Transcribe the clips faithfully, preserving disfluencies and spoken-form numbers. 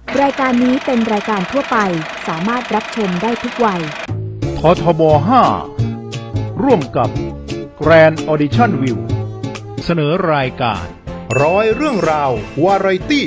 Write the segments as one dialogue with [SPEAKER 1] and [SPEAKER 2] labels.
[SPEAKER 1] รายการนี้เป็นรายการทั่วไปสามารถรับชมได้ทุกวัย
[SPEAKER 2] ททบห้าร่วมกับ Grand Audition View เสนอรายการ
[SPEAKER 3] ร้อยเรื่องราววาไรตี้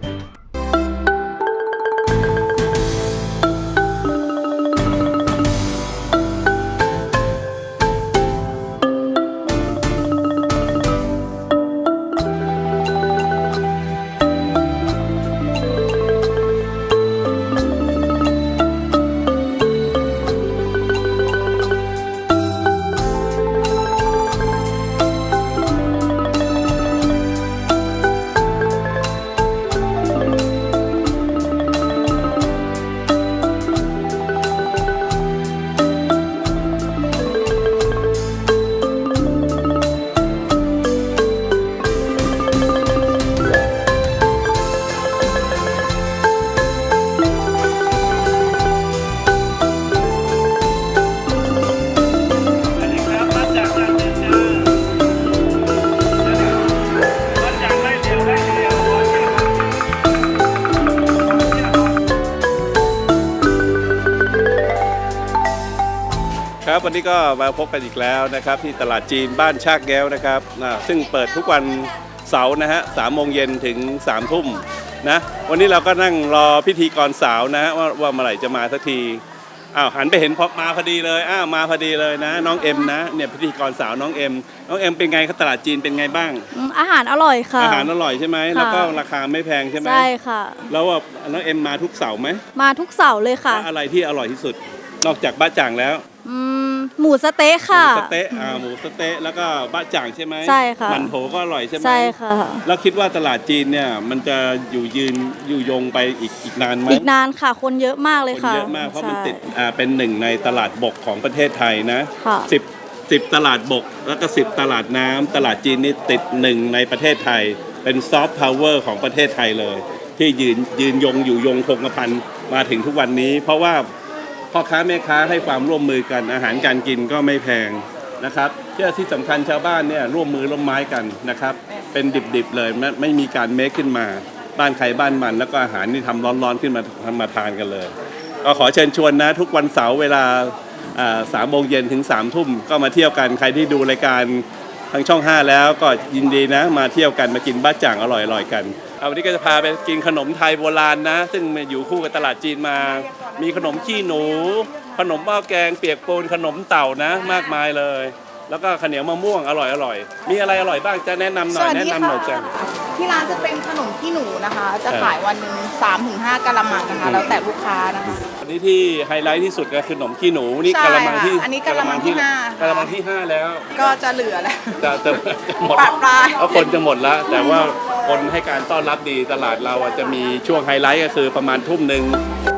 [SPEAKER 4] ครับวันนี้ก็มาพบกันอีกแล้วนะครับที่ตลาดจีนบ้านชากแก้วนะครับนะซึ่งเปิดทุกวันเสาร์นะฮะสามโมงเย็นถึงสามทุ่มนะวันนี้เราก็นั่งรอพิธีกรสาวนะฮะว่าว่าเมื่อไหร่จะมาสักทีอ้าวหันไปเห็นพอมาพอดีเลยอ้าวมาพอดีเลยนะน้องเอ็มนะเนี่ยพิธีกรสาวน้องเอ็มน้องเอ็มเป็นไงครับตลาดจีนเป็นไงบ้าง
[SPEAKER 5] อาหารอร่อยค่ะ
[SPEAKER 4] อาหารอร่อยใช่ไหมแล้วก็ราคาไม่แพงใช่ไหม
[SPEAKER 5] ใช่ค่ะ
[SPEAKER 4] แล้วว่าน้องเอ็มมาทุกเสาร์ไหม
[SPEAKER 5] มาทุกเสาร์เลยค่ะ
[SPEAKER 4] อะไรที่อร่อยที่สุดนอกจากบ้าจ่างแล้ว
[SPEAKER 5] หมูสเต๊ะค่ะ
[SPEAKER 4] หมูสเต๊ะอ่าหมูสเต๊ะแล้วก็บ้าจ่างใช่ไหม
[SPEAKER 5] ใช่ค่ะ
[SPEAKER 4] มันโถก็อร่อยใช่ไหม
[SPEAKER 5] ใช่ค่ะ
[SPEAKER 4] แล้วคิดว่าตลาดจีนเนี่ยมันจะอยู่ยืนอยู่ยงไปอีกอีกนานไหม
[SPEAKER 5] อีกนานค่ะคนเยอะมากเลยค่ะ
[SPEAKER 4] คนเยอะมากเพราะมันติดอ่าเป็นหนึ่งในตลาดบกของประเทศไทยนะ
[SPEAKER 5] ค่ะ
[SPEAKER 4] สิบสิบตลาดบกแล้วก็สิบตลาดน้ำตลาดจีนนี่ติดหนึ่งในประเทศไทยเป็นซอฟต์พาวเวอร์ของประเทศไทยเลยที่ยืนยืนยงอยู่ยงคงกระพันมาถึงทุกวันนี้เพราะว่าพ่อค้าแม่ค้าให้ความร่วมมือกันอาหารการกินก็ไม่แพงนะครับที่ที่สำคัญชาวบ้านเนี่ยร่วมมือร่วมไม้กันนะครับเป็นดิบๆเลยไม่ไม่มีการเมคขึ้นมาบ้านใครบ้านมันแล้วก็อาหารนี่ทำร้อนๆขึ้นมาทำมาทานกันเลยก็ขอเชิญชวนนะทุกวันเสาร์เวลาสามโมงเย็นถึงสามทุ่มก็มาเที่ยวกันใครที่ดูรายการทางช่องห้าแล้วก็ยินดีนะมาเที่ยวกันมากินบ้าจ่างอร่อยๆกันวันนี้ก็จะพาไปกินขนมไทยโบราณนะซึ่งอยู่คู่กับตลาดจีนมามีขนมขี้หนูขนมหม้อแกงเปียกปูนขนมเต่านะมากมายเลยแล้วก็ข้าวเหนียวมะม่วงอร่อยอร่อยมีอะไรอร่อยบ้างจะแนะนำหน่อยแนะนำหน่อยจ้ะ
[SPEAKER 6] ที่ร้านจะเป็นขนมขี้หนูนะคะจะขายวันหนึ่งสามถึงห้ากะละมังนะคะแล้วแต่ลูกค้านะคะ
[SPEAKER 4] อันนี้ที่ไฮไลท์ที่สุดก็คือขนมขี้หนูนี่กะละมังที่
[SPEAKER 6] อันนี้กะละมังที่ห้ากะ
[SPEAKER 4] ละมังที่ห้าแล้ว
[SPEAKER 6] ก็จะเหลือแล้ว
[SPEAKER 4] จะจะหมด
[SPEAKER 6] ปลาย
[SPEAKER 4] เพราะคนจะหมดแล้วแต่ว่าคนให้การต้อนรับดีตลาดเราจะมีช่วงไฮไลท์ก็คือประมาณทุ่มหนึ่ง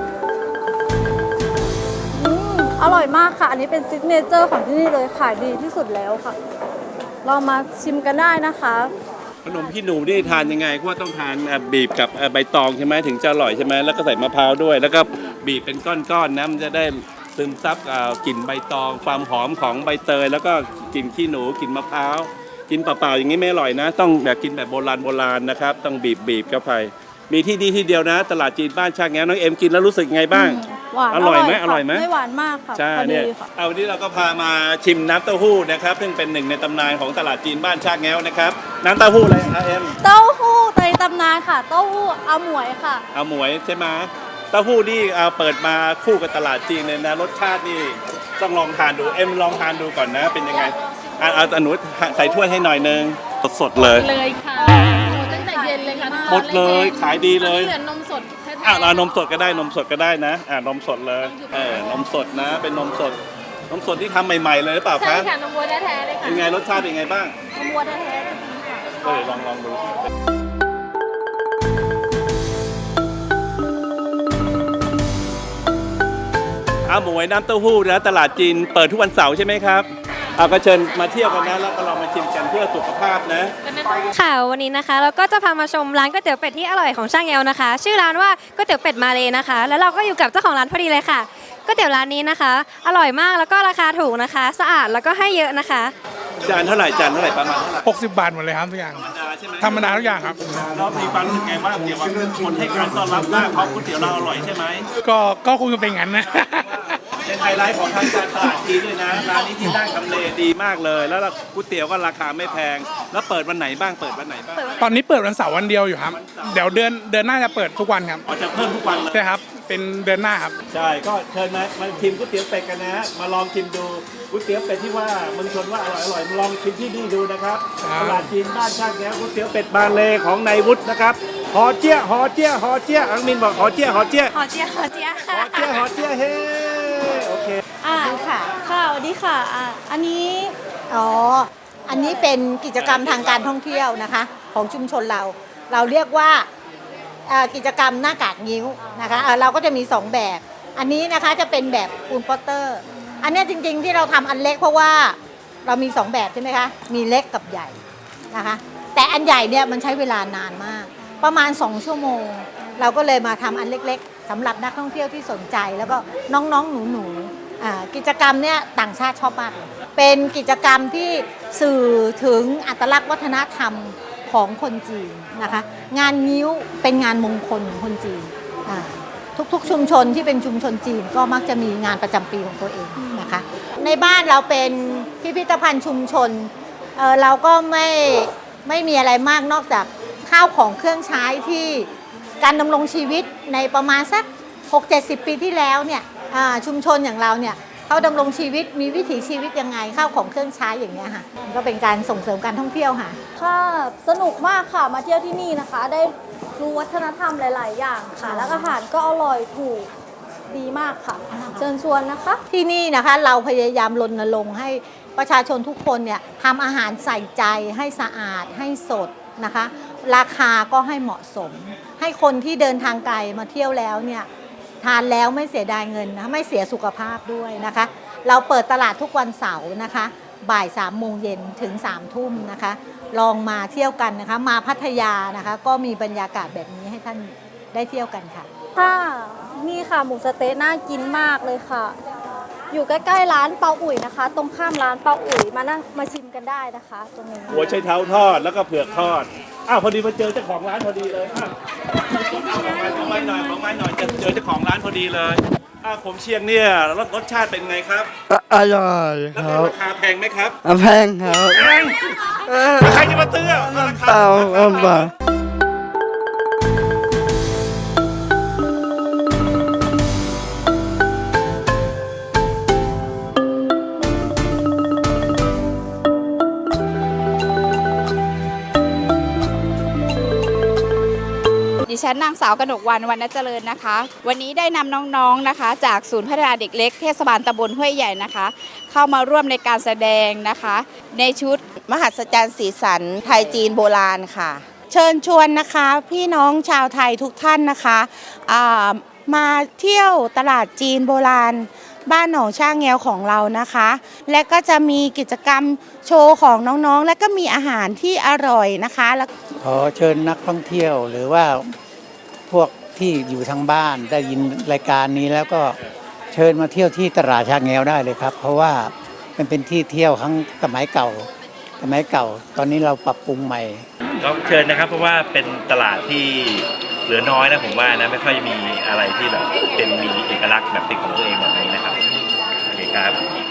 [SPEAKER 5] อร่อยมากค่ะอันนี้เป็นซิกเนเจอร์ของที่นี่เลยขายดีที่สุดแล้วค่ะเรามาชิมกันได้นะคะ
[SPEAKER 4] ขนมขี้หนูนี่ทานยังไงเพราะว่าต้องทานบีบกับใบตองใช่ไหมถึงจะอร่อยใช่ไหมแล้วก็ใส่มะพร้าวด้วยแล้วก็บีบเป็นก้อนๆนะมันจะได้ซึมซับกลิ่นใบตองความหอมของใบเตยแล้วก็กลิ่นขี้หนูกลิ่นมะพร้าวกินเปล่าๆอย่างนี้ไม่อร่อยนะต้องแบบกินแบบโบราณโบราณนะครับต้องบีบบีบเข้าไปมีที่ดีที่เดียวนะตลาดจีนบ้านชากแง้วน้องเอ็มกินแล้วรู้สึกไงบ้าง
[SPEAKER 5] หวาน
[SPEAKER 4] อร่อยไหมอร่อยไหม
[SPEAKER 5] ไม่หวานมากค่ะ
[SPEAKER 4] ใช่เนี่ยเอาวันนี้เราก็พามาชิมน้ำเต้าหู้นะครับซึ่งเป็นหนึ่งในตำนานของตลาดจีนบ้านชากแง้วนะครับน้ำเต้าหู้อะไรครับเอ็ม
[SPEAKER 5] เต้าหู้ในตำนานค่ะเต้าหู้อาหมวยค่ะ
[SPEAKER 4] อาหมวยใช่ไหมเต้าหู้นี่เปิดมาคู่กับตลาดจีนเลยนะรสชาตินี่ต้องลองทานดูเอ็มลองทานดูก่อนนะเป็นยังไงเอาเอาหนูใส่ถ้วยให้หน่อยนึงสดๆเลย
[SPEAKER 7] เลยค่ะตั้งแต่เย็นเลยค่ะ
[SPEAKER 4] หมดเลยขายดีเลย
[SPEAKER 7] เหลือนมสดแท้ๆ
[SPEAKER 4] อ่ะเรานมสดก็ได้นมสดก็ได้นะอ่านมสดเลยเออนมสดนะเป็นนมสดนมสดที่ทำใหม่ๆเลยหรือเปล่าคะ
[SPEAKER 7] ใช่ค่ะนมวัวแท้ๆเลยค่ะ
[SPEAKER 4] เป็นไงรสชาติเป็นไงบ้าง
[SPEAKER 7] นมวัวแท้ๆเลยค่ะ
[SPEAKER 4] ก็เลยลองลองดูอาหมวยน้ำเต้าหู้นะตลาดจีนเปิดทุกวันเสาร์ใช่ไหมครับเอาก็เชิญมาเที่ยวกันนะแล้วก็ลองมาชิมกันเพื่อสุขภาพนะ
[SPEAKER 8] ค่ะวันนี้นะคะเราก็จะพามาชมร้านก๋วยเตี๋ยวเป็ดที่อร่อยของช่างแอลนะคะชื่อร้านว่าก๋วยเตี๋ยวเป็ดมาเลยนะคะแล้วเราก็อยู่กับเจ้าของร้านพอดีเลยค่ะก๋วยเตี๋ยวร้านนี้นะคะอร่อยมากแล้วก็ราคาถูกนะคะสะอาดแล้วก็ให้เยอะนะคะ
[SPEAKER 4] จานเท่าไหร่จานเท่าไหร่ประมาณเท่าไหร่
[SPEAKER 9] หกสิบบาทหมดเลยครับทุกอย่าง
[SPEAKER 4] ธรรมดาใช่ไหม
[SPEAKER 9] ธรรมดาทุกอย่างครับ
[SPEAKER 4] เรามีความรู้สึกไงบ้างเกี่ยวกับคนให้การต้อนรับมากเพราะก๋วยเตี๋ยวเราอร่อยใช่ไหม
[SPEAKER 9] ก็ก็คงจะเป็นงั้นนะ
[SPEAKER 4] เป็นไฮไลท์ของทางการตลาดจีนด้วยนะร้านนี้ที่ตั้งทำเลดีมากเลย แล้วก๋วยเตี๋ยวก็ราคาไม่แพง แล้วเปิดวันไหนบ้างเปิดวันไหนบ้าง
[SPEAKER 9] ตอนนี้เปิดวันเสาร์วันเดียวอยู่ครับ เดี๋ยวเดือนเดือนหน้าจะเปิดทุกวันครับ
[SPEAKER 4] อ๋อจะเพิ่มทุกวันเลย
[SPEAKER 9] ใช่ครับเป็นเดือนหน้าครับ
[SPEAKER 4] ใช่ก็เชิญมามาชิมก๋วยเตี๋ยวเป็ดกันนะ มาลองชิมดูก๋วยเตี๋ยวเป็ดที่ว่าเมืองชนว่าอร่อยอร่อยมาลองชิมที่นี่ดูนะครับ
[SPEAKER 9] ครับ
[SPEAKER 4] ตลาดจีนบ้านช่างแก้วก๋วยเตี๋ยวเป็ดบางเลของนายวุฒินะครับหอเจี้ยหอเจี้ยหอเจี้ยอังมินบอกหอเจี้ยหอเจี้ย
[SPEAKER 8] หอเจียหอเจีย
[SPEAKER 4] หอเจี้ยหอเจี้ยเฮ้โอเค
[SPEAKER 5] อ่าค่ะค่ะสวัสดีค่ะอ่าอันนี้
[SPEAKER 10] อ๋อ อันนี้เป็นกิจกรรมทางการท่องเที่ยวนะคะของชุมชนเรา เราเรียกว่าเอ่อกิจกรรมหน้ากากงิ้วนะคะเอ่อเราก็จะมีสองแบบ อันนี้นะคะจะเป็นแบบปูนโปสเตอร์ อันเนี้ยจริงๆที่เราทำอันเล็กเพราะว่าเรามีสองแบบใช่ไหมคะ มีเล็กกับใหญ่นะคะ แต่อันใหญ่เนี่ยมันใช้เวลานานมาก ประมาณสองชั่วโมง เราก็เลยมาทำอันเล็กๆสำหรับนักท่องเที่ยวที่สนใจ แล้วก็น้องๆหนูๆอ่ากิจกรรมเนี่ยต่างชาติชอบมากเลยเป็นกิจกรรมที่สื่อถึงอัตลักษณ์วัฒนธรรมของคนจีนนะคะ งานงิ้วเป็นงานมงคลของคนจีนอ่าทุกๆชุมชนที่เป็นชุมชนจีนก็มักจะมีงานประจำปีของตัวเองนะคะ ในบ้านเราเป็นพิพิธภัณฑ์ชุมชนเอ่อเราก็ไม่ไม่มีอะไรมากนอกจากข้าวของเครื่องใช้ที่การดำรงชีวิตในประมาณสัก หกเจ็ดสิบ ปีที่แล้วเนี่ยอ่าชุมชนอย่างเราเนี่ยเขาดำรงชีวิตมีวิถีชีวิตยังไงข้าวของเครื่องใช้อย่างเงี้ยค่ะมันก็เป็นการส่งเสริมการท่องเที่ยวค่ะ
[SPEAKER 5] ค่ะสนุกมากค่ะมาเที่ยวที่นี่นะคะ ได้รู้วัฒนธรรมหลาย ๆ อย่างค่ะ แล้วอาหารก็อร่อยถูกดีมากค่ะ เชิญชวนนะคะ
[SPEAKER 10] ที่นี่นะคะเราพยายามรณรงค์ให้ประชาชนทุกคนเนี่ยทำอาหารใส่ใจให้สะอาดให้สดนะคะ ราคาก็ให้เหมาะสม ให้คนที่เดินทางไกลมาเที่ยวแล้วเนี่ยทานแล้วไม่เสียดายเงินนะไม่เสียสุขภาพด้วยนะคะ เราเปิดตลาดทุกวันเสาร์นะคะบ่ายสามโมงเย็นถึงสามทุ่มนะคะ ลองมาเที่ยวกันนะคะ มาพัทยานะคะ ก็มีบรรยากาศแบบนี้ให้ท่านได้เที่ยวกันค่ะ
[SPEAKER 5] ค่ะนี่ค่ะหมูสะเต๊ะน่ากินมากเลยค่ะ อยู่ใกล้ๆร้านเปาอุ๋ยนะคะ ตรงข้ามร้านเปาอุ๋ยมานั่งมาชิมกันได้นะคะ ตรงนี้
[SPEAKER 4] หัวไชเท้าทอดแล้วก็เผือกทอด อ้าวพอดีมาเจอเจ้าของร้านพอดีเลยอ่ะของไม้หน่อยของไม้หน่อยเจอเจอเจ้าของร้านพอดีเลยอ้าวผมเชียงเนี่ยรสรสชาติเป็นไงครับ
[SPEAKER 11] อร่อย
[SPEAKER 4] แล้ว
[SPEAKER 11] ครับ
[SPEAKER 4] ราคาแพงไหมครับ
[SPEAKER 11] แพงครับ
[SPEAKER 4] แพงใครจะมาซื้ออ่ะราคา
[SPEAKER 11] เปล่า
[SPEAKER 4] ราคา
[SPEAKER 11] เปล่า
[SPEAKER 6] ดิฉันนางสาวกนกวรรณวรรณเจริญนะคะ วันนี้ได้นำน้องๆนะคะ จากศูนย์พัฒนาเด็กเล็กเทศบาลตำบลห้วยใหญ่นะคะ เข้ามาร่วมในการแสดงนะคะ ในชุด
[SPEAKER 12] มหัศจรรย์สีสันไทยจีนโบราณค่ะ เชิญชวนนะคะพี่น้องชาวไทยทุกท่านนะคะอ่ามาเที่ยวตลาดจีนโบราณ บ้านหนองช่างแงวของเรานะคะ และก็จะมีกิจกรรมโชว์ของน้องๆ และก็มีอาหารที่อร่อยนะคะแล้ว
[SPEAKER 13] ขอเชิญนักท่องเที่ยวหรือว่าพวกที่อยู่ทางบ้านได้ยินรายการนี้แล้วก็เชิญมาเที่ยวที่ตลาดชางแงวได้เลยครับ เพราะว่ามันเป็นที่เที่ยวครั้งสมัยเก่า สมัยเก่า ตอนนี้เราปรับปรุงใหม่
[SPEAKER 14] ก็เชิญนะครับเพราะว่าเป็นตลาดที่เหลือน้อยนะผมว่านะไม่ค่อยมีอะไรที่แบบเป็นมีเอกลักษณ์แบบเป็นของตัวเองแบบนี้นะครับโอเคครับ